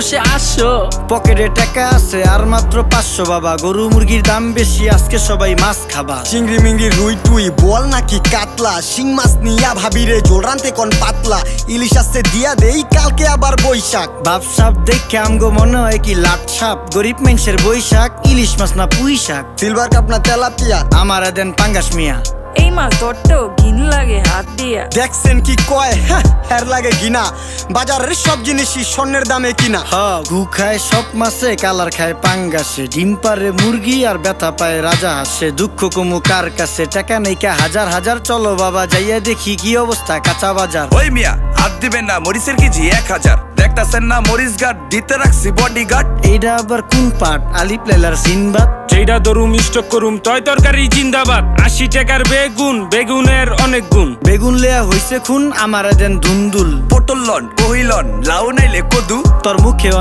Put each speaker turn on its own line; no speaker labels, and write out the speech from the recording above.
আসো।
পকেটে টাকা আছে আর মাত্র 500 বাবা। গরু মুরগির দাম বেশি, আজকে সবাই মাছ খাবা।
চিংড়ি মিংড়ি রুই টুই বল নাকি কাতলা, শিং মাছ নিয়া ভাবিরে জোল রানতে কোন পাতলা, ইলিশ আসছে দিয়া দেই কালকে আবার বৈশাখ।
বাপ সাপ দেখে আমগো মনে হয় কি লাট সাপ, গরিব মানুষের বৈশাখ, ইলিশ মাছ না পুঁই শাক।
সিলভার কাপ না তেলাপিয়া,
আমারে দেন পাঙ্গাস মিয়া।
এই মাছ ধরতেও ঘিন লাগে হাত দিয়া।
দেখছেন কি কয়, হ্যাঁ হের লাগে ঘিনা, বাজারের সব জিনিসই স্বর্ণের দামে কিনা।
হ ঘু খায় সব মাছে, কালার খায় পাঙ্গাসে, ডিম পারে মুরগি আর ব্যথা পায় রাজা হাসে। দুঃখ কমু কার কাছে, টাকা নেই কা হাজার হাজার, চলো বাবা যাইয়া দেখি কি অবস্থা কাঁচা বাজার।
ওই মিয়া হাত দিবেন না, মরিচের কেজি 1000। দেখতাছেন না মরিচ গার্ড দিতে রাখছি বডি গার্ড।
এইটা আবার কোন পাট, আলিপ লাইলার সিনবাদ?
যেটা ধরুম স্টক করুম তয় তরকারি জিন্দাবাদ। 80 টাকার বেগুন, বেগুনের অনেক গুণ।
বেগুন লেয়া হইছে খুন, আমারে দেন ধুন্দুল।
পটল লন, কহিলন, লাউ নাইলে কদু।
তোর মুখে